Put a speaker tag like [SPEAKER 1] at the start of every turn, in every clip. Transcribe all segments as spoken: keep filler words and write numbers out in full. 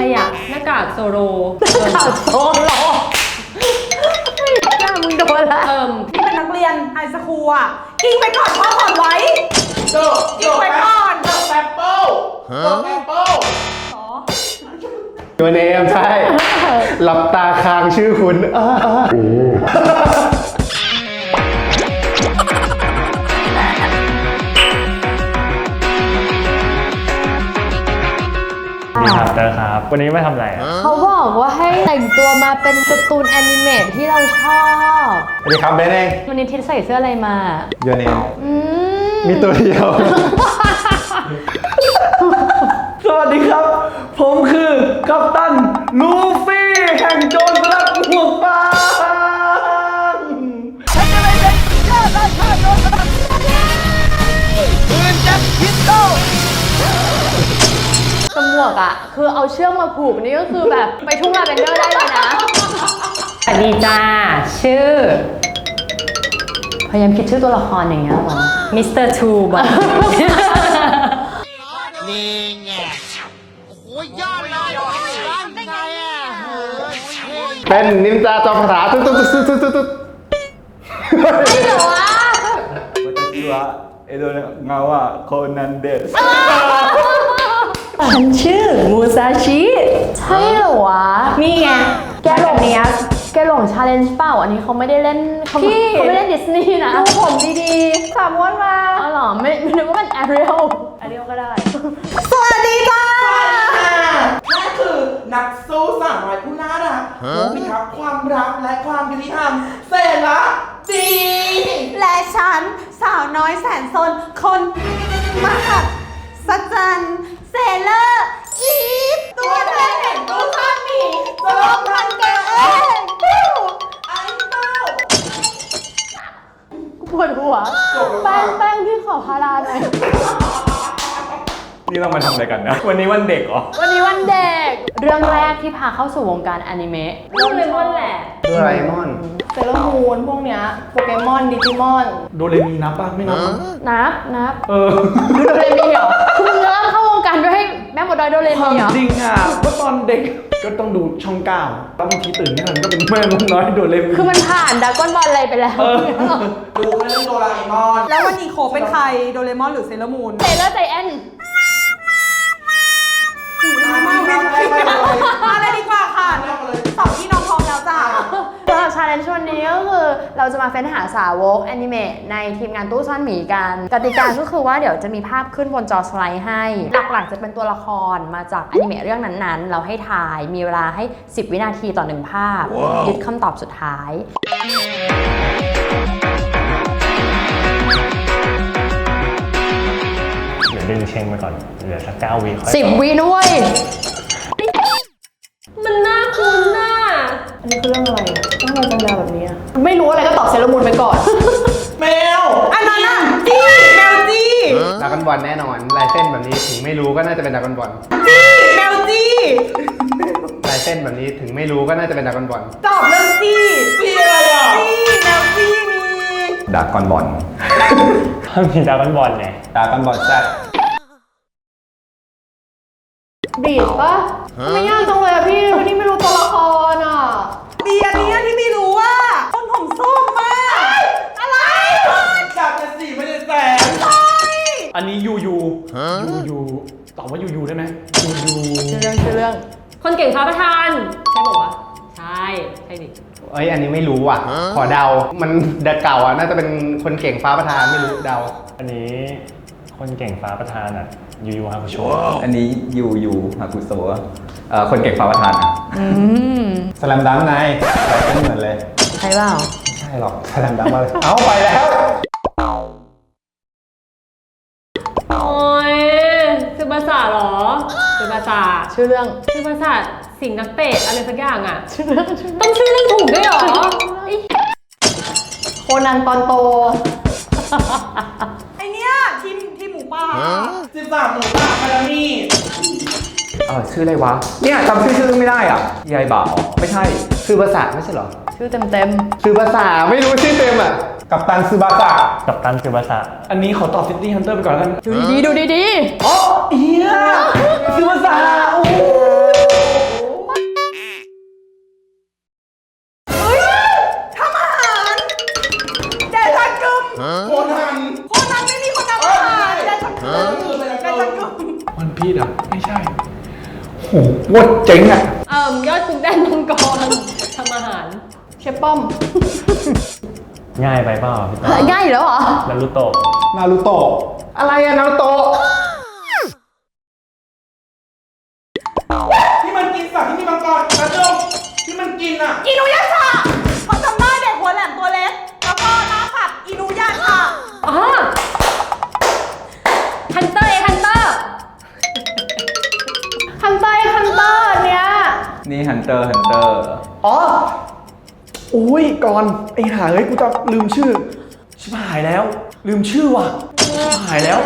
[SPEAKER 1] อ่ะหน้ากากโซโลหน้
[SPEAKER 2] ากากโซโลแก้มึงโดนละ
[SPEAKER 1] เอิ่ม
[SPEAKER 3] ที่เป็นนักเรียนไฮสคูลอ่ะกิงไปก่อนพ่อก่อนไว้
[SPEAKER 4] โจ
[SPEAKER 3] กิงไปก่อน
[SPEAKER 4] โจแอปเปิ้ลโจแอปเปิ้ล
[SPEAKER 5] ตัวเนมใช่หลับตาค้างชื่อคุณ
[SPEAKER 6] นี่ครับเตอร์ครับวันนี้มาทำอะไรอ่ะ
[SPEAKER 2] เขาบอกว่าให้แต่งตัวมาเป็นการ์ตูนแอนิเมตที่เราชอบ
[SPEAKER 5] สวัสดีครับเบนเอง
[SPEAKER 2] วันนี้ทิศใส่เสื้ออะไรมา
[SPEAKER 5] โยเนม
[SPEAKER 2] อืม
[SPEAKER 5] มีตัวเดียว
[SPEAKER 4] สวัสดีครับผมคือกัปตันลูฟี่แห่งโจรสลัดหมวกฟางปืนแจ็คพิสโตล
[SPEAKER 2] ตำรวจอะคือเอาเชือกมาผูกนี่ก็คือแบบไปทุ่งลาเวนเดอร์ได้เลยนะ
[SPEAKER 1] สวัสดีจ้าชื่อ
[SPEAKER 2] พยายามคิดชื่อตัวละครอย่างเงี้ยหรอ
[SPEAKER 1] มิสเตอร์ทูบอ
[SPEAKER 4] นี่ไงโอ้ยยอดเลยได้ไงอ่ะ
[SPEAKER 5] เป็นนินจาจอมคาถาตุ๊ดตุ๊ดตุ๊ดตุ๊ดตุ๊ดตุ๊ด
[SPEAKER 2] ไม่เหรอวะ
[SPEAKER 4] 私は江戸の川コナンです
[SPEAKER 1] ฉันชื่อมูซาชิ
[SPEAKER 2] ใช่เหรอวะ
[SPEAKER 1] นี่ไง
[SPEAKER 2] แกหลงเนี้ยแกหลงชาเลนจ์เปล่าอันนี้เขาไม่ได้เล่นเขาเขาไม่เล่นดิสนีย์นะดูผมดีๆสามวันมาอ๋อเหรอไม่ไม่นึกว่ามันแอเรียลแอเรียลก็ได้
[SPEAKER 3] สวัสดีจ้า
[SPEAKER 4] แม่คือนักสู้สาวน้อยผู้น่ารักผู้พิทักษ์ความรักและความยุติธรรมเสระดี
[SPEAKER 3] และฉันสาวน้อยแสนซนคนมหัศจรรย์เซเลอร์อีฟตัวแทนแห่งตู้ซ่อนหมีโจมพันเกเองไอ้เต้า
[SPEAKER 2] ปวดหัวแป้งแป้งพี่ขอพาราหน่อย
[SPEAKER 6] นี่เรามาทำอะไรกันนะวันนี้วันเด็กเหรอ
[SPEAKER 2] วันนี้วันเด็กเรื่องแรกที่พาเข้าสู่วงการอนิเมะ
[SPEAKER 1] เรื่องเลมอนแหละ
[SPEAKER 5] โดราเอมอน
[SPEAKER 3] เซเลอร์มูนพวกเนี้ยโปเกมอนดิจิมอน
[SPEAKER 4] โดเรมีนับป่ะไม่นับ
[SPEAKER 2] นับนับ
[SPEAKER 4] เออ
[SPEAKER 2] ดูโดเรมีเหรอคุณเริ่มเข้าวงการด้วยให้แม่หมดดอยโดเรมีเหรอ
[SPEAKER 4] จริงอ่ะก็ตอนเด็กก็ต้องดูช่องเก้าแล้วบางทีตื่นไม่ทันก็เป็นแม่นกน้อยโดเรมี
[SPEAKER 2] คือมันผ่านดากอนบอลอะไรไปแล้ว
[SPEAKER 4] ดูแค่เรื่องโดราเอมอน
[SPEAKER 3] แล้ววันนี้โคเป็นใครโดเรมอนหรือเซเลอร์มูน
[SPEAKER 2] เซเลอร์ใจแอน
[SPEAKER 3] มาเลยดีกว่าค่ะสองพี่น้องพร้อมแล้วจ้า
[SPEAKER 2] สำหรับชาเลนจ์วันนี้ก็คือเราจะมาเฟ้นหาสาวกแอนิเมะในทีมงานตู้ซ่อนหมีกันกติกาก็คือว่าเดี๋ยวจะมีภาพขึ้นบนจอสไลด์ให้หลักๆจะเป็นตัวละครมาจากแอนิเมะเรื่องนั้นๆเราให้ทายมีเวลาให้สิบวินาทีต่อหนึ่งภาพยึดคำตอบสุดท้าย
[SPEAKER 6] เดี๋ยวดึงเชงไปก่อนเหลือสักเก้าวิ
[SPEAKER 2] สิบวินุ้ย
[SPEAKER 1] มันน่าคุ้นน่ะ
[SPEAKER 2] อันนี้คือเรื่องอะไรต้องมาจังยาวแบบนี้ไม่รู้อะไรก็ตอบเซเลอร์มูนไปก่อน
[SPEAKER 4] แมว
[SPEAKER 3] อันนั้นน่ะจี้แมวจี้
[SPEAKER 5] ดราก้อนบอลแน่นอนลายเส้นแบบนี้ถึงไม่รู้ก็น่าจะเป็นดราก้อนบอล
[SPEAKER 3] จี้แมวจี้
[SPEAKER 5] ลายเส้นแบบนี้ถึงไม่รู้ก็น่าจะเป็นดราก้อนบอล
[SPEAKER 3] ตอบเรื่องจี้
[SPEAKER 4] จี้อะไรอ่ะ
[SPEAKER 3] จี้แมวจี้มี
[SPEAKER 5] ดราก้อนบอล
[SPEAKER 6] ถ้ามีดราก้อนบอลไง
[SPEAKER 5] ดราก้อนบอลแซ่บ
[SPEAKER 2] บีดปะไม่ยากจังเลยอะพี่วันนี้ไม่รู้ตัวละครอะ
[SPEAKER 3] ดีอันนี้ที่ไม่รู้ว่าคนผมส้มมากอะไร
[SPEAKER 4] จากจะสี่ไม่ได้แสน
[SPEAKER 3] ใช่
[SPEAKER 4] อันนี้ยูยูยูยูตอบว่ายูยูได้ไหมยูยู
[SPEAKER 2] ชื่อเรื่องชื่อเรื่อง
[SPEAKER 1] คนเก่งฟ้าประธานใช่บอกว่าใช่ใช่ดิ
[SPEAKER 5] เอ้ยอันนี้ไม่รู้อ่ะขอเดามันเด็กเก่าอ่ะน่าจะเป็นคนเก่งฟ้าประธานไม่รู้เดา
[SPEAKER 6] อันนี้คนเก่งฟ้าประธานอ่ะยูยูฮาคุโช
[SPEAKER 7] อันนี้ยูยูฮาคุโซะเอ่อคนเก่งฟ้าประธานอ่ะ
[SPEAKER 5] สแลมดังไงไม่เหมือนเลย
[SPEAKER 2] ใช่เปล่า
[SPEAKER 5] ไม่ใช่หรอกสแลมดังมาเลยเอาไปแล้ว
[SPEAKER 1] โอ้ยซึบาสะหรอซึบาสะ
[SPEAKER 2] ชื่อเรื่อง
[SPEAKER 1] ซึบาสะสิงนักเตะอะไรสักอย่างอ่ะ
[SPEAKER 2] ชื่อเรื่อง
[SPEAKER 1] ต้องชื่อเรื่องถูกด้วยหรอ
[SPEAKER 2] โคนันตอนโต
[SPEAKER 3] ไอเนี้ยทีมทีมหมูป่า
[SPEAKER 4] สิบสามหมูป่าคารามี่
[SPEAKER 7] เออชื่ออะไรวะเนี่ยจำชื่อชื่อไม่ได้อ่ะยายบ่าวไม่ใช่
[SPEAKER 5] คือภาษาไม่ใช่หรอ
[SPEAKER 2] ชื่อเต็มเต็ม
[SPEAKER 5] คือภาษาไม่รู้ชื่อเต็มอ่ะกัปตันซึบาสะ
[SPEAKER 6] กัปตันซึบาสะ
[SPEAKER 4] อันนี้ขอตอบซิตี้ฮันเตอร์ไปก่อนกัน
[SPEAKER 2] ดูดีดูดี
[SPEAKER 4] อ๋อเฮียซึบาสะโอ้โหโคตรเจ๋งอ่ะ
[SPEAKER 1] เอ่มยอดกุ๊กแดนมังกรทำอาหาร
[SPEAKER 2] เชฟป้อม
[SPEAKER 6] ง่ายไปเปล่าพี่ต้น
[SPEAKER 2] ง่ายอยู่แล้วเหรอ
[SPEAKER 6] นารูโตะ
[SPEAKER 4] นารูโตะ
[SPEAKER 5] อะไรอะนารูโตะ
[SPEAKER 4] ที่มันกินสัตว์ที่มีมังกรกระจงที่มันกินอ่ะ
[SPEAKER 3] อินุยาชะเขาจำได้เด็กหัวแหลมตัวเล็ก แล้วก็หน้าผัดอินุยาชะ
[SPEAKER 1] อ๋อฮันเตอร์เอฮันเตอร์
[SPEAKER 2] ฮันเตอร์ฮันเตอร์เนี้ย
[SPEAKER 7] นี่ฮันเตอร์ฮันเตอร์
[SPEAKER 4] อ๋อโอ้ยก่อนไอ้ห่าเฮ้ยกูจะลืมชื่อ ชิบหายแล้ว ลืมชื่อว่ะชิบหายแล้ว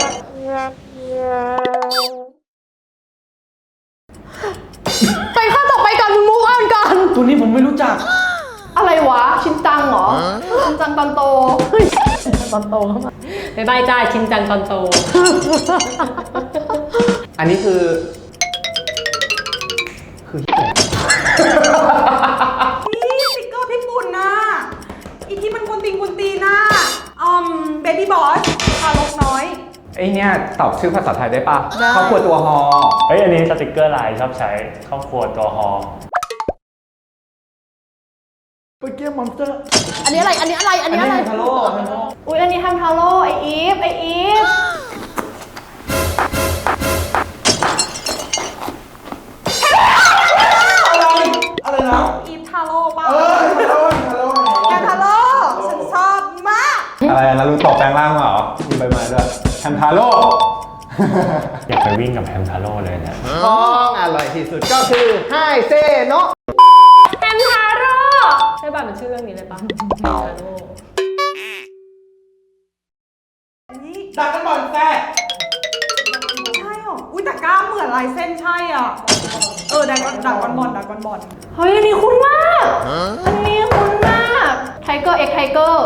[SPEAKER 2] ไปข้อต่อไปก่อนมึงมูฟออนก่อน
[SPEAKER 4] ตัวนี้ผมไม่รู้จัก
[SPEAKER 2] อะไรวะ ชินจังเหรอ ชินจังตอนโตเฮ้ยชินจังตอนโตเข้ามา
[SPEAKER 1] บ๊ายบายจ้าชินจังตอนโต
[SPEAKER 5] อันนี้คือ คือเหี้ย
[SPEAKER 3] นี่สติกเกอร์พี่ปุ่นน่ะอีที่มันกุนตีนกุนตีนน่ะอืมเบบี้บอสทารกน้อย
[SPEAKER 7] ไอเนี่ยตอบชื่อภาษาไทยได้ปะครอบครัวตัวฮอ
[SPEAKER 6] เฮ้ยอันนี้สติกเกอร์ลายชอบใช้ครอบครัวตัวฮอ
[SPEAKER 4] เมื่อกี้มอนสเตอร์
[SPEAKER 2] อันนี้อะไร อันนี้อะไร อันนี้อะไร
[SPEAKER 4] ทาโร่ทาโร่
[SPEAKER 2] อุ้ยอันนี้ฮันทาโร่ไออีฟ ไออีฟ
[SPEAKER 4] อะไร อะไรนะ
[SPEAKER 3] อีฟทาโร่ป่ะ
[SPEAKER 4] เออทาโร่ทาโร่
[SPEAKER 3] แกทาโร่ฉันชอบมาก
[SPEAKER 5] อะไรนารูโตะแปลงร่างมาเหรอมีใบไม้ด้วยแฮมทาโร่
[SPEAKER 6] อยากไปวิ่งกับแฮมทาโร่เลยเนี่ย
[SPEAKER 5] ของอร่อยที่สุดก็คือไฮเซโนะ
[SPEAKER 1] แฮมทาโร่ใช่ป่ะมันชื่อเรื่องนี้เลยป่ะแฮมทาโร่
[SPEAKER 3] นี่
[SPEAKER 4] ดักกันบอลแซ่
[SPEAKER 3] ใช่เหรอ อุ้ยแต่กล้ามเหมือนลายเส้นใช่อ่ะ เออดักดักบอลบอลดักบอลบอล
[SPEAKER 2] เฮ้ย อันนี้คุ้นมาก อันนี้คุ้นมาก ไทเกอร์เอ็กไทเกอร์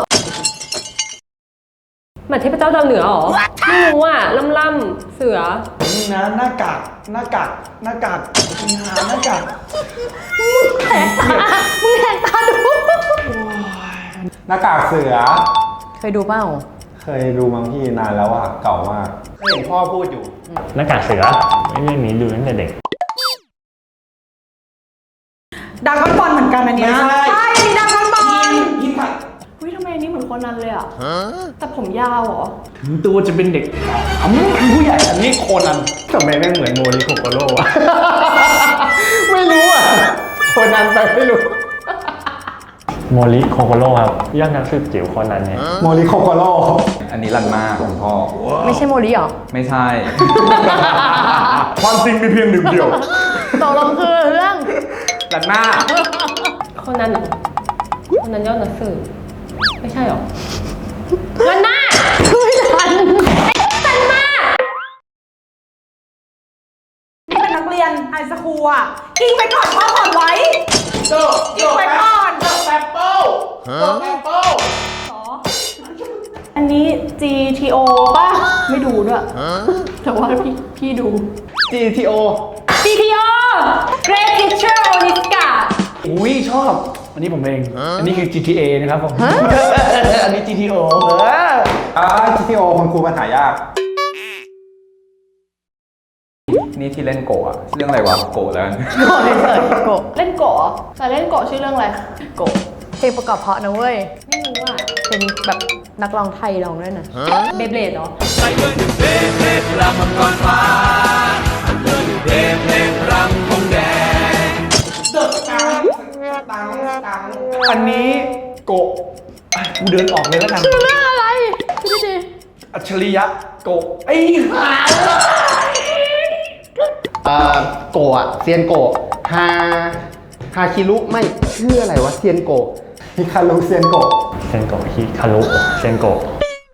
[SPEAKER 1] เหมือนเทพเจ้าดาวเหนือเหรอ ไม่รู้อ่ะล่ำล่ำๆเสือ
[SPEAKER 4] นี่นะหน้ากากหน้ากากหน้ากากมีหาหน้ากาก
[SPEAKER 2] มึงแหกตาดู
[SPEAKER 5] หน้ากากเสือ
[SPEAKER 2] เคยดูเปล่า
[SPEAKER 5] เคยดูมั้งพี่นานแล้วอะเก่ามากเคยเห็นพ่อพูดอยู่
[SPEAKER 6] หน้ากากเสือไอ้เรื่องนี้ดูตั้งแต่เด็ก
[SPEAKER 3] ดักบอลบอลเหมือนกันอันเนี้ย
[SPEAKER 4] ไม่ใช่
[SPEAKER 3] ใช่อันนี้ดักบอลบอล
[SPEAKER 4] ยิงผัด
[SPEAKER 2] อุ้ยทำไมอันนี้เหมือนโคนนั้นเลยอ่ะ แต่ผมยาวเหรอ
[SPEAKER 4] ถึงตัวจะเป็นเด็กอ๋อคือผู้ใหญ่อันนี้โคนัน
[SPEAKER 5] ทำไมแม่งเหมือนโมริโคโกโร่อะ ไม่รู้อะคนนั้นไปไม่รู้
[SPEAKER 6] โมริโคโคโร่ครับยอดนักสืบจิ๋วคนนั้นเนี่ย
[SPEAKER 5] โมริโคโกโร่
[SPEAKER 7] อันนี้รันมาของพ่อ
[SPEAKER 2] ไม่ใช่โมริเหรอ
[SPEAKER 7] ไม่ใช่
[SPEAKER 4] ความจริงมีเพียงหนึ่งเดียว
[SPEAKER 2] ตกลงคือเรื่อง
[SPEAKER 7] รันมา
[SPEAKER 1] คนนั้นเหรอคนนั้นยอดนักสืบไม่ใช่เหรอวันหน้า
[SPEAKER 2] ไม่ทัน
[SPEAKER 1] ทันมาก
[SPEAKER 3] นี่เป็นนักเรียนไฮสคูลอ่ะกิ้งไปก่อนพ่อก่อนไว้
[SPEAKER 4] โจ
[SPEAKER 3] กิ้งไปก่อน
[SPEAKER 4] โจแอปเปิ้ลโจแอปเปิ้ล
[SPEAKER 2] อันนี้ จี ที โอ ป่ะ ไม่ดูด้วย แต่ว่าพี่พี่ดู
[SPEAKER 5] จี ที โอ
[SPEAKER 1] จี ที โอ Great Teacher Onizuka
[SPEAKER 4] อุ้ยชอบ อันนี้ผมเอง อันนี้คือ จี ที เอ นะครับผม อันนี้ จี ที โอ เออ
[SPEAKER 5] อ่า จี ที โอ คุณครูมันหายาก
[SPEAKER 7] นี่ที่เล่นโกะอะเรื่องอะไรวะ โกะแล้วกัน
[SPEAKER 2] โกะเลยเสิร์ชโกะเล่นโกะเหรอแต่เล่นโกะชื่อเรื่องอะไร โกะเพลงประกอบเพราะนะเว้ย
[SPEAKER 1] ไม่รู้อ่ะ
[SPEAKER 2] เป็นแบบนักร้องไทยร้องด้วยนะ
[SPEAKER 1] เบเบลดเหรอ
[SPEAKER 4] เดอะตังตังตังอันนี้โกะอ่ะกูเดินออกเลยแล้วกัน
[SPEAKER 2] ชื่อเรื่องอะไรพี่ดิ
[SPEAKER 4] อัจฉริยะโกะไอ้ห่า
[SPEAKER 5] เอ่อ โกะอะเซียนโกะฮา ฮาคิรุไม่ชื่ออะไรวะ เซียนโกะฮิคารุเซียนโกะ
[SPEAKER 6] เซนโกะฮิคารุเซนโกะ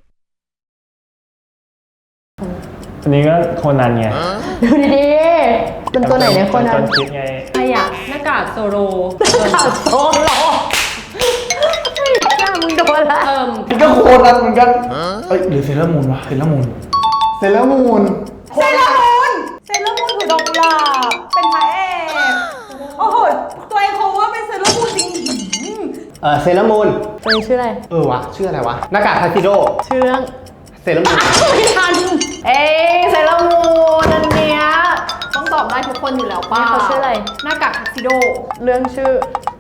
[SPEAKER 6] อันนี้ก็โคนันไง
[SPEAKER 2] ดูดีๆเป็นตัวไหนเนี่ยคนนั้
[SPEAKER 6] ต้
[SPEAKER 2] น
[SPEAKER 6] นคิดไง
[SPEAKER 1] ใครอะหน้ากากโซโล
[SPEAKER 2] ข่าวโซโลหน้ามึงโดนละ
[SPEAKER 1] เอิ่ม
[SPEAKER 4] นี่ก็โคนันเหมือนกัน เอ้ยหรือเซเลอร์มูนวะเซเลอร์มูน
[SPEAKER 5] เซเลอร์มูน
[SPEAKER 3] เซเลอร์มูนเซเลอร์มูนถือดอกกุหลาบเป็นพระเอกโอ้โห ตัวเองเขาว่าเป็นเซเลอร์มูนจริงหืม
[SPEAKER 5] เอ่อ เซเลอร์มูน
[SPEAKER 2] ตัวนี้ชื่ออะไร
[SPEAKER 5] เออวะ ชื่ออะไรวะ หน้ากากทาซิโด
[SPEAKER 2] ชื่อเรื่อง
[SPEAKER 5] เซเลอร์มูน
[SPEAKER 2] ไม่ทัน เอ้ยเซเลอร์มูนอันเนี้ยต้องตอบได้
[SPEAKER 3] บ้ทุกคนอยู่แล้วป้า
[SPEAKER 2] เขาชื่ออะไร
[SPEAKER 3] หน้ากากทักซิโด
[SPEAKER 2] เรื่องชื่อ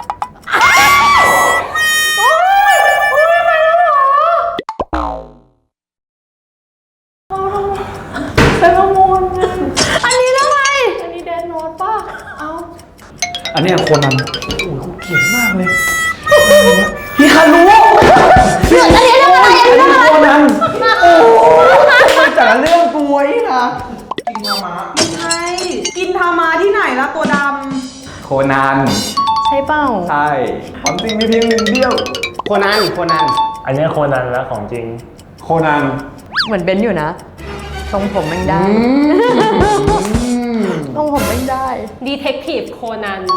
[SPEAKER 3] เป็นข้อมูล
[SPEAKER 2] อันนี้ทำไม
[SPEAKER 3] อันนี้เดนโนตป่ะ เอ้า
[SPEAKER 4] อันเนี้ยโคนันโอ้ยเขาเขียนมากเลยฮิคารุ
[SPEAKER 2] เรื่องอันนี้เรื่องอะไรอันนี้เรื่องอะไร
[SPEAKER 4] โคนันโอ้ยแต่ละเรื่องกูไว้นะ
[SPEAKER 3] ไม่ใช่ กินทามาที่ไหนละตัวด
[SPEAKER 7] โคนัน
[SPEAKER 2] ใช่เปล่า
[SPEAKER 7] ใช่ความจริงมีเพียงหนึ่งเดียว
[SPEAKER 5] โคนันโคนัน
[SPEAKER 6] อันเนี้ยโคนันแล้วของจริง
[SPEAKER 4] โคนัน
[SPEAKER 2] เหมือนเบนซ์อยู่นะ ทรงผมแม่งได้ทรงผมแม่งได้
[SPEAKER 1] ดีเทคทีฟโคนัน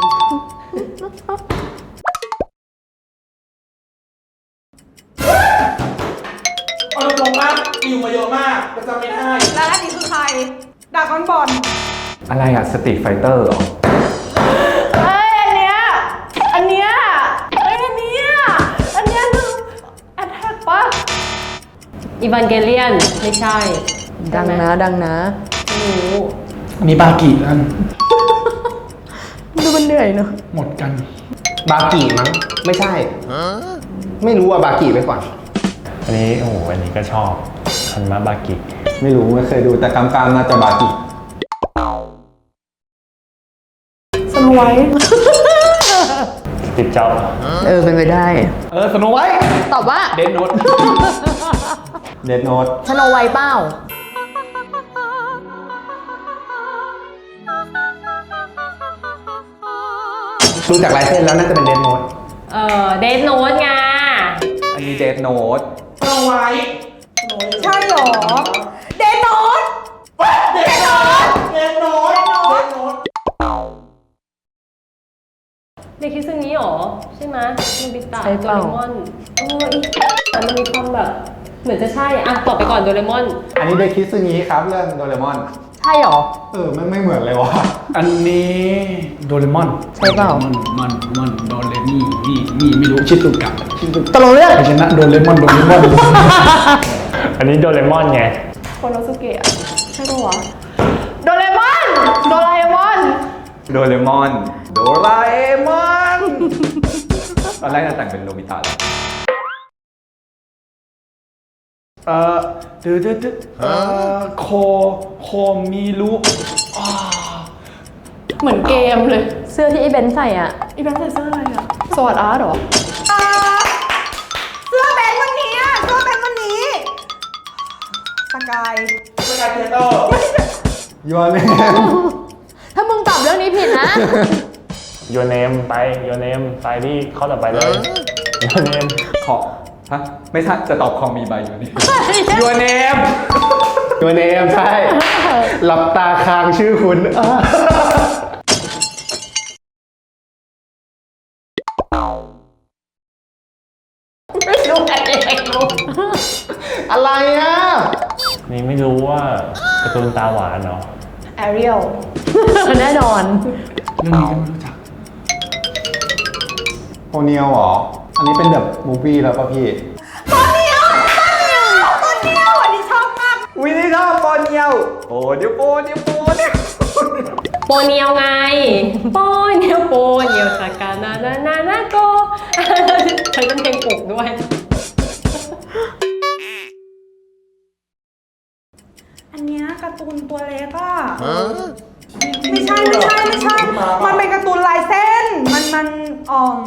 [SPEAKER 8] เอาตรงๆว่าอิวมาเยอะมากแต่จำไม่ได้
[SPEAKER 3] ำแล้วอันนี้คือใครดากอนบอล
[SPEAKER 7] อะไรอะสตรีทไฟเตอร์เหรอ
[SPEAKER 3] เอ้ย อันเนี้ย อันเนี้ยเอ้ย อันเนี้ย อันเนี้ยคือแอทแทกป่ะ
[SPEAKER 1] อีวานเกเลียน ไม่ใช่
[SPEAKER 2] ดังนะดังนะ
[SPEAKER 1] ไม่รู้
[SPEAKER 4] มีบากิกัน
[SPEAKER 2] ดูมันเหนื่อยเนอะ
[SPEAKER 4] หมดกัน
[SPEAKER 5] บากิมั้งไม่ใช่ไม่รู้ว่าบากิไปก่อน
[SPEAKER 6] อันนี้โอ้โหอันนี้ก็ชอบคันมาบากิ
[SPEAKER 5] ไม่รู้ไม่เคยดูแต่กำกามน่าจะบากิ
[SPEAKER 3] สโนไวท์
[SPEAKER 6] สติปจ็อบ
[SPEAKER 2] เออเป็นไปได้
[SPEAKER 4] เออสโนไว้
[SPEAKER 2] ตอบว่า
[SPEAKER 4] เดนโนต
[SPEAKER 5] เดดโนต
[SPEAKER 2] ชโนไวท์เป้า
[SPEAKER 5] ดูจากลายเส้นแล้วน่าจะเป็นเดดโนต
[SPEAKER 1] เออเดทโนตไง
[SPEAKER 7] อันนี้เดทโนต
[SPEAKER 8] สโนไวท์
[SPEAKER 3] ใช่หรอ เดนโนต
[SPEAKER 8] เดนโนตเดนโนตเดนโนต
[SPEAKER 1] เด็กคิดซึ่งนี้หรอ ใช่ไหมโนบิตะ
[SPEAKER 2] ใช่
[SPEAKER 1] โด
[SPEAKER 2] เปล่า
[SPEAKER 1] เรมอนโอ้ยแต่มันมีความแบบ เหมือนจะใช่อะตอบไปก่อนโดเรมอน
[SPEAKER 5] อันนี้เดคิซึงิครับเรื่องโดเรมอน
[SPEAKER 2] ใช่หรอ
[SPEAKER 5] เออไม่ไม่เหมือนเลยวะ
[SPEAKER 4] อันนี้โดเรมอน
[SPEAKER 2] ใช่เปล่า
[SPEAKER 4] มันมันมันโดเรมี่นี่นี่ไม่รู้ชิซุกะชิซุ
[SPEAKER 2] ตกลงเรื่อง
[SPEAKER 4] กะชนะโดเรมอนโดเรมอน
[SPEAKER 6] อันนี้โดเรมอนไง
[SPEAKER 3] โคโนสุเกะใช่ปะวะ โดเรมอน โดราเอมอน
[SPEAKER 7] โดเรมอน โดราเอมอนตอนแรกจะแต่งเป็นโนบิตะเลย
[SPEAKER 4] เอ่อเดือดเดือดเอ่อโคโคมิรุอ่า
[SPEAKER 3] เหมือนเกมเลย
[SPEAKER 2] เสื้อที่ไอ้เบนซ์ใส่อ่ะ
[SPEAKER 3] อีแบงค์ใส่เสื้ออะไรอะสวัสดอาร์ตเหรอ เสื้อแบนวันนี้อะเสื้อแบนวันนี้ สกาย
[SPEAKER 8] สกายเทเตอร์
[SPEAKER 5] ยอนเนม
[SPEAKER 2] ถ้ามึงตอบเรื่องนี้ผิดนะ
[SPEAKER 6] โยเนมไปโยเนมไปที่ข้อต่อไปเลยโยเนม
[SPEAKER 7] ขอฮะไม่ใช่จะตอบคอมีใบอยู่นี่ ยูเนม
[SPEAKER 5] ยอนเนมใช่ หลับตาค้างชื่อคุณอ่า
[SPEAKER 1] ไม่รู้อะไรไม่รู้
[SPEAKER 5] อะไรอ่ะ
[SPEAKER 6] นี่ไม่รู้ว่าการ์ตูนตาหวานเนาะ
[SPEAKER 3] แอเรียล
[SPEAKER 2] แน่นอน
[SPEAKER 4] เรื่องนี้ก็ไม่รู้จัก
[SPEAKER 5] โอเนียลเหรอ อันนี้เป็นแบบมูฟี่แล้วป่ะพี่
[SPEAKER 3] ตัวเนี้ยวตัวเนี้ยวอันนี้ชอบมาก
[SPEAKER 7] วินี่ชอบโปเนียวโปเดียวโปเดียวโปเดียว
[SPEAKER 1] โปเนียวไง โปเนียวโปเนียวสากานานานานาโกใช้เป็นเพลงปลุกด้วย
[SPEAKER 3] อันเนี้ยการ์ตูนตัวเล็กอะไม่ใช่ไม่ใช่ไม่ใช่ มันเป็นการ์ตูนลายเส้น มันมันอ่อม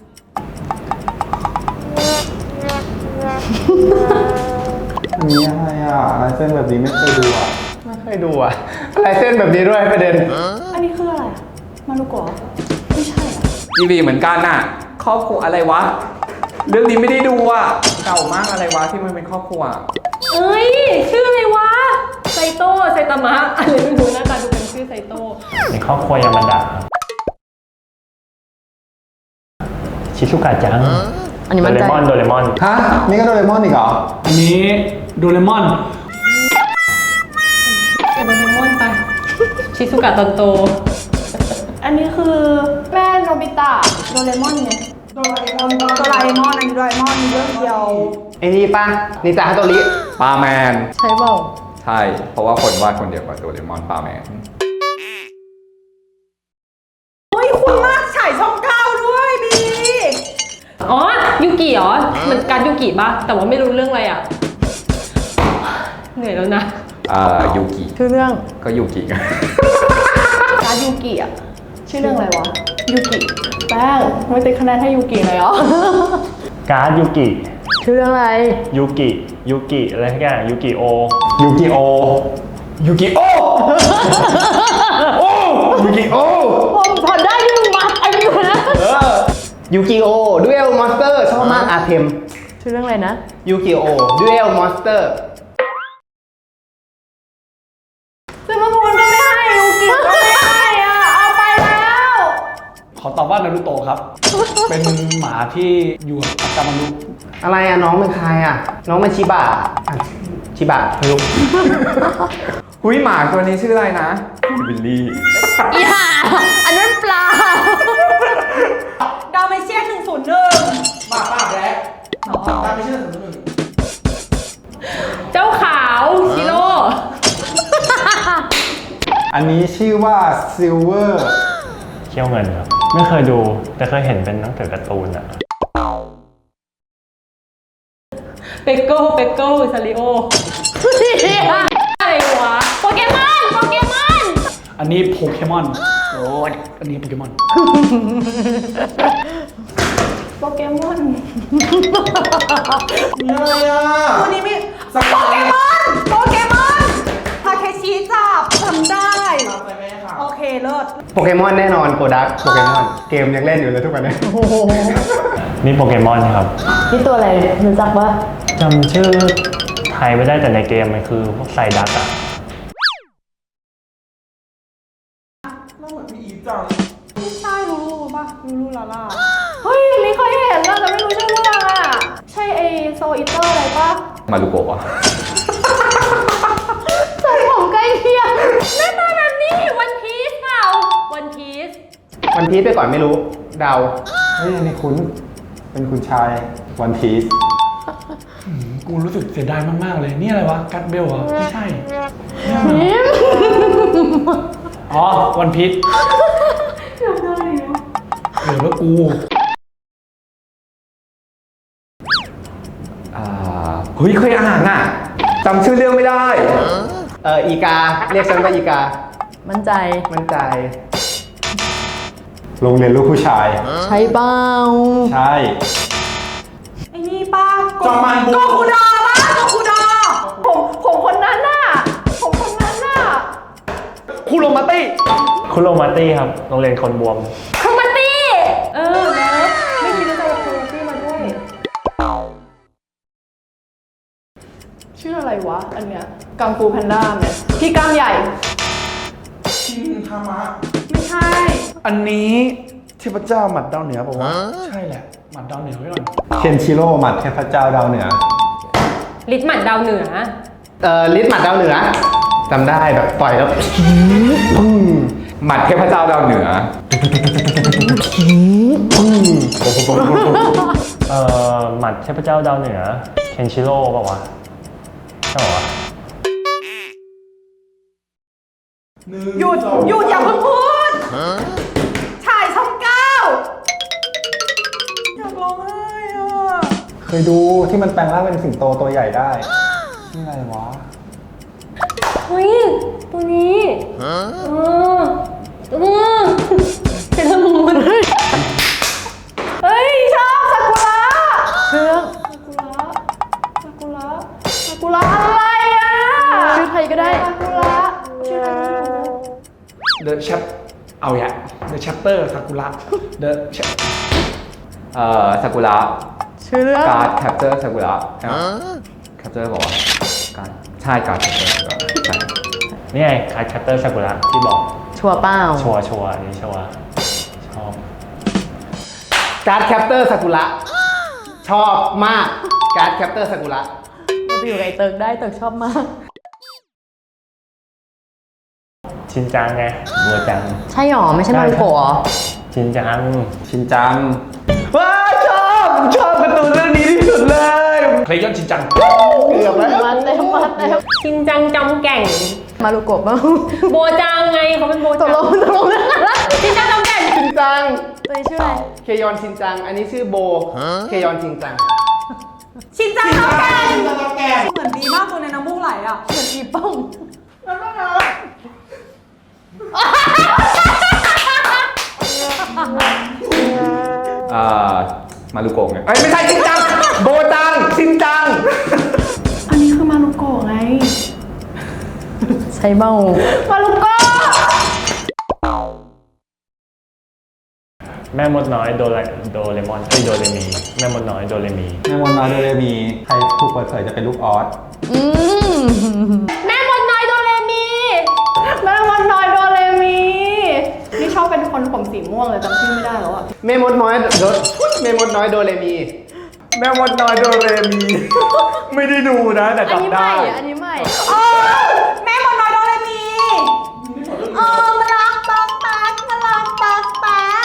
[SPEAKER 5] อันนี้อะไรอ่ะลายเส้นแบบนี้ไม่เคยดูอ่ะ ไม่เคยดูอ่ะลายเส้นแบบนี้ด้วยประเด็น
[SPEAKER 3] อันนี้คืออะไรอะมารุโกะไม่ใช่อะ
[SPEAKER 7] ทีวีเหมือนกันน่ะ ครอบครัวอะไรวะ เรื่องนี้ไม่ได้ดูอ่ะ เก่ามากอะไรวะที่มันเป็นครอบครัว
[SPEAKER 1] เอ้ย ชื่ออะไรวะ ไซโต้ไซตามะอะไรไม่รู้หน้าตาดูเป็นชื่อไซโต้
[SPEAKER 6] ในครอบครัวยามันดะครับชิซุกะจัง
[SPEAKER 2] อันนี้
[SPEAKER 6] โด
[SPEAKER 2] มัน
[SPEAKER 6] เร
[SPEAKER 2] ใจ
[SPEAKER 6] มอนโดเรมอน
[SPEAKER 5] ฮะ นี่ก็โดเรมอนอีกเหรอ
[SPEAKER 4] อันนี้โดเรมอน
[SPEAKER 1] เป็นโดเรมอนไป ชิซุกะตอนโต
[SPEAKER 3] อันนี้คือแม่โนบิตะโดเรมอนไงโดราเอมอนโดราเอมอนอันนี้โดราเอมอนมีเรื่องเดียว
[SPEAKER 5] ไอ้นี่ป่ะนินจาฮัตโตริ
[SPEAKER 7] ปาแมน
[SPEAKER 2] ใช่เปล่า
[SPEAKER 7] ใช่ เพราะว่าคนวาดคนเดียวกับโดเรมอนปาแมน
[SPEAKER 1] รอมันการดยูกิปะแต่ว่าไม่รู้เรื่องอะไรอ่ะเหนื่อยแล้วนะ
[SPEAKER 7] อ่ายูกิ
[SPEAKER 2] ชื่อเรื่อง
[SPEAKER 7] ก็ยูกิกัน
[SPEAKER 3] การดยูกิอ่ะ ชื่อเรื่องอะไรวะ ยูกิ แป้ง ไม่ติดคะแนนให้ยูกิเลยเหรอ
[SPEAKER 6] การ์ดยูกิ
[SPEAKER 2] ชื่อเรื่องอะไร
[SPEAKER 6] ยูกิยูกิอะไรสักอย่างยูกิโอ
[SPEAKER 5] ยูกิโอ ยูกิโอ โอ้ ยูกิโอ
[SPEAKER 2] ผมพอได้ที่มึงมาไอ้อยู่นะ
[SPEAKER 5] เออ ยูกิโอดูเอลมอนสเตอร์ชอบมากอาเทม
[SPEAKER 2] ชื่อเรื่องอะไรนะ
[SPEAKER 5] ยูกิโอดูเอลมอนสเตอร์
[SPEAKER 3] ซึ่งมะพูนก็ไม่ให้ ยูกิก็ไม่ให้อ่ะ เอาไปแล้ว
[SPEAKER 4] ขอตอบว่านารูโตะครับ เป็นหมาที่อยู่กับกามารุ
[SPEAKER 5] อะไรอะน้องเป็นใครอะน้องเป็นชิบะอ่ะชิบะไม่รู้
[SPEAKER 7] หุยหมาตัวนี้ชื่ออะไรนะบิลลี่
[SPEAKER 2] อีห่าอันนั้นปลา
[SPEAKER 3] ดาวเมเชียนหนึ่งศูนย์หนึ่ง
[SPEAKER 8] ป้าป้าแบล็คตามไม่เชื่อสมมติหนึ่ง
[SPEAKER 1] เจ้าขาวชิโร่
[SPEAKER 5] อันนี้ชื่อว่าซิลเวอร์
[SPEAKER 6] เขี้ยวเงินครับ ไม่เคยดูแต่เคยเห็นเป็นหนังสือการ์ตูนอะ
[SPEAKER 1] เปกโก้เปกโก้ซาริโออะไรวะโปเกมอนโปเกมอน
[SPEAKER 4] อันนี้โปเกมอนโอ้ยอันนี้โปเกมอน
[SPEAKER 3] โปเกมอน
[SPEAKER 8] อะไรอ่ะ
[SPEAKER 3] ตัวนี้มี
[SPEAKER 8] สัก
[SPEAKER 3] โปเกมอน โปเกมอนทาเคชิจับทำได้
[SPEAKER 8] ตามไปแม่ค่ะ
[SPEAKER 3] โอเคเลิศ
[SPEAKER 5] โปเกมอนแน่นอนโกดักโปเกมอนเกมยังเล่นอยู่เลยทุกวันนี้
[SPEAKER 6] นี่โปเกมอนครับ
[SPEAKER 2] นี่ตัวอะไรรู้จักปะ
[SPEAKER 6] จำชื่อไทยไม่ได้แต่ในเกมมันคือพวกไซดักอะ
[SPEAKER 8] เราเหมือนพี่อีฟจัง
[SPEAKER 3] ไม่ใช่ลูลูป่ะลูลูลาล่า เฮ้ยลิเคยเห็นแล้วแต่ไม่รู้ชื่อเรื่องอ่ะ ใช่ไอโซอิเตอร์อะไรป่ะ
[SPEAKER 7] มารุโกะอะ
[SPEAKER 2] ใส่ผมใกล้เคียง
[SPEAKER 1] หน้าตาแบบนี้วันพีซเปล่าวันพีซ
[SPEAKER 5] วันพีซไปก่อนไม่รู้เดาเฮ้ยนี่คุณเป็นคุณชายวันพีซ
[SPEAKER 4] กูรู้สึกเสียดายมากๆเลย นี่อะไรวะ กัดเบลเหรอ ไม่ใช่ อ๋อ วันพีชเหลือว่ากู
[SPEAKER 7] อ่าเฮ้ยเคยอ่านอ่ะจำชื่อเรื่องไม่ได้
[SPEAKER 5] เอออีกา เรียกฉันว่าอีกา
[SPEAKER 2] มั่นใจ
[SPEAKER 5] มั่นใจ โรงเรียนลูกผู้ชาย
[SPEAKER 2] ใช่เปล่า
[SPEAKER 5] ใช่
[SPEAKER 3] ไอ้นี่ป่ะ
[SPEAKER 8] จอมันบุ
[SPEAKER 3] โกคูดอป่ะโกคูดอผมผมคนนั้นน่ะ ผมคนนั้นน่ะ
[SPEAKER 4] คุโรมาตี้
[SPEAKER 6] คุโรมาตี้ครับ โรงเรียนคนบวม
[SPEAKER 1] คอมมาตี้เออนะไม่คิดว่าจะเอาคอมมาตี้มาด้วย
[SPEAKER 3] ชื่ออะไรวะ อันเนี้ยกังฟูแพนด้าไหมพี่กล้ามใหญ่
[SPEAKER 8] ชินทามะ
[SPEAKER 3] ไม่ใช่
[SPEAKER 4] อันนี้เทพเจ้าหมัดดาวเหนือบอกว่าใช่แหละ หมัดดาวเหนือไว้ก่อน
[SPEAKER 5] เคนชิโร่หมัดเทพเจ้าดาวเหนือ
[SPEAKER 1] ลิทหมัดดาวเหนือ
[SPEAKER 5] เอ่อลิสหมัดดาวเหนือจำได้แบบต่อยแล้วปุ้ง
[SPEAKER 7] หมัดเทพเจ้าดาวเหนือ
[SPEAKER 5] ปุ้ง
[SPEAKER 6] เอ่อหมัดเทพเจ้าดาวเหนือ เคนชิโร่เปล่าวะใช่เปล่าวะ
[SPEAKER 8] หนึ่ง
[SPEAKER 3] หยุด
[SPEAKER 8] สอง
[SPEAKER 3] หยุดอย่าเพิ่งพูดฉายช่องเก้าอยากร้องไห้อ่ะ
[SPEAKER 5] เคยดูที่มันแปลงร่างเป็นสิงโตตัวใหญ่ได้นี่อะไรวะ
[SPEAKER 1] เฮ้ย ตัวนี้เออเออเซเลอร์มูน
[SPEAKER 3] เฮ้ย ชอบซากุระ
[SPEAKER 2] เรื่อง
[SPEAKER 3] ซากุระซากุระอะไรอ่ะ
[SPEAKER 2] ชื่อไทยก็ได้
[SPEAKER 3] ซากุระชื่ออะไรไม่รู้
[SPEAKER 4] The Chap เอาอย่า The Chapter ซากุระ The Chap
[SPEAKER 7] เอ่อซากุระ
[SPEAKER 2] ชื่อเรื่อง
[SPEAKER 7] การ์ดแคปเจอร์ซากุระแคปเจอร์บอกว่าการใช่การ์ดแคปเจอร์ซากุระใช่
[SPEAKER 6] นี่ไงคาร์ดแคปเตอร์ซากุระที่บอก
[SPEAKER 2] ชัวร์เปล่า
[SPEAKER 6] ชัวร์ชัวร์อันนี้ชัวร์ชอบ
[SPEAKER 5] การ์ดแคปเตอร์ซากุระชอบมากการ์ดแคปเตอร์ซากุระ
[SPEAKER 2] เราไปอยู่กับไอ้เติร์กได้เติร์กชอบมาก
[SPEAKER 6] ชินจังไงบัวจัง
[SPEAKER 2] ใช่หรอ ไม่ใช่มาริโกะเหรอ
[SPEAKER 6] ชินจัง
[SPEAKER 5] ชินจัง
[SPEAKER 4] ว้าชอบผมชอบการ์ตูนเรื่องนี้ที่สุดเลยเคยย้อนชินจัง
[SPEAKER 5] เกือบแล้ว
[SPEAKER 2] มาเต็มมาเต็ม
[SPEAKER 1] ชินจังจำแก่ง
[SPEAKER 2] มารุโกะบ้าง
[SPEAKER 1] โบจังไงเขาเป็นโบ
[SPEAKER 2] ต
[SPEAKER 1] จั
[SPEAKER 2] กลงตกลงเรื่องอะไร
[SPEAKER 1] ชินจังจำแก่ง
[SPEAKER 5] ชินจัง
[SPEAKER 2] ตตัวนี้ชื่ออะไร
[SPEAKER 5] เคยอนชินจัง อันนี้ชื่อโบ เคยอนชินจัง
[SPEAKER 3] ชินจังเท่ากัน
[SPEAKER 8] ชินจังเท่ากัน
[SPEAKER 3] เหมือนดีมากตัวในน้ำมูกไหลอ่ะ
[SPEAKER 2] เหมือนอีป้อง
[SPEAKER 7] อ่ามารุโกะไงเอ้ยไม่ใช่ชินจัง โบจัง ชินจัง
[SPEAKER 3] อันนี้คือมารุโกะไง
[SPEAKER 2] ใช่เมา
[SPEAKER 3] มารุโกะ
[SPEAKER 6] แม่มดน้อยโดเรโดเรมอนเอ้ยโดเรมี แม่มดน้อยโดเรมี
[SPEAKER 5] แม่มดน้อยโดเรมี ใครถูกเปิดเผยจะเป็นลูกออส
[SPEAKER 2] อืม
[SPEAKER 1] แม่มดน้อยโดเรมี
[SPEAKER 3] แม่วันน้อยโดเรมี นี่ชอบเป็นคนผมสีม่วงเลยจำชื่อไม่ได้แล้วอ่ะ
[SPEAKER 5] แม่มดน้อยโดแม่มดน้อยโดเรมี
[SPEAKER 7] แม่มดน้อยโดเรมี ไม่ได้ดูนะ แต่
[SPEAKER 2] อันนี้
[SPEAKER 7] จำ
[SPEAKER 2] ให
[SPEAKER 7] ได้
[SPEAKER 2] ม่อะอันนี้ใหม่
[SPEAKER 3] เออแม่วันน้อยโดเรมีเออมารักปักปักมารักปักปัก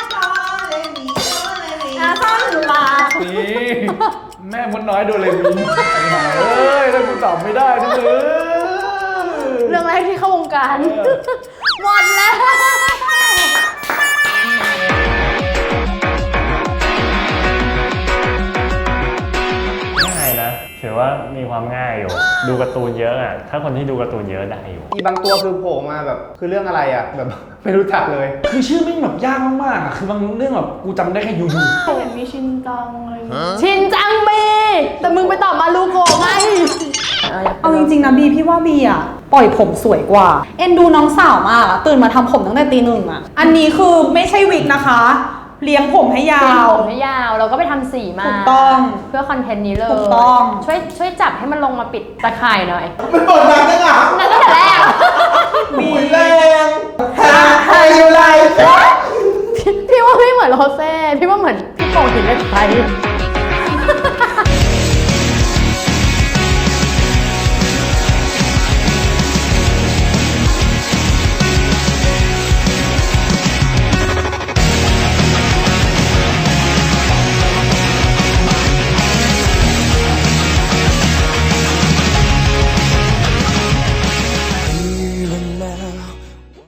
[SPEAKER 3] อาซ่อนลา
[SPEAKER 7] นี่แม่มดน้อยโดเรมีเอ้ยถ้ากูตอบไม่ได้นะมึง
[SPEAKER 2] เรื่องแรกที่เข้าวงการ หมดแล้ว
[SPEAKER 6] ง่ายนะ ถือว่ามีความง่ายอยู่ ดูการ์ตูนเยอะอ่ะ ถ้าคนที่ดูการ์ตูนเยอะได้อยู่
[SPEAKER 5] อีบางตัวคือโผล่มาแบบ คือเรื่องอะไรอ่ะ แบบ ไม่รู้จักเลย
[SPEAKER 4] คือชื่อไม่งแบบยากมากๆอ่ะ คือบางเรื่องแบบกูจำได้แค่ยูยู
[SPEAKER 3] เห็นมีชินจังอะไรอย่างเงี้ย
[SPEAKER 2] ชินจังมี แต่มึงไปตอบมาลูโกะไง
[SPEAKER 3] เอาจริงๆนะบีพี่ว่าบีอ่ะปล่อยผมสวยกว่า เอ็นดูน้องสาวมากอะตื่นมาทำผมตั้งแต่ตีหนึ่งอ่ะ อันนี้คือไม่ใช่วิกนะคะ เลี้ยงผมให้ยา
[SPEAKER 2] เส้น
[SPEAKER 3] ว
[SPEAKER 2] ผมให้ยาว เราก็ไปทำสีมา
[SPEAKER 3] ถูกต้อง
[SPEAKER 2] เพื่อคอนเทนต์นี้เลย
[SPEAKER 3] ถูกต้อง
[SPEAKER 2] ช่วยช่วยจับให้มันลงมาปิดตะข่ายหน่อย
[SPEAKER 8] มันเปิดดังจังอ่ะ
[SPEAKER 2] นั่นตั้งแต่แรก
[SPEAKER 8] บีแรงฮาไฮยูไล
[SPEAKER 2] พี่ว่าไม่เหมือนโรเซ่ พี่ว่าเหมือนพี่โป่งหินเหล็กไฟ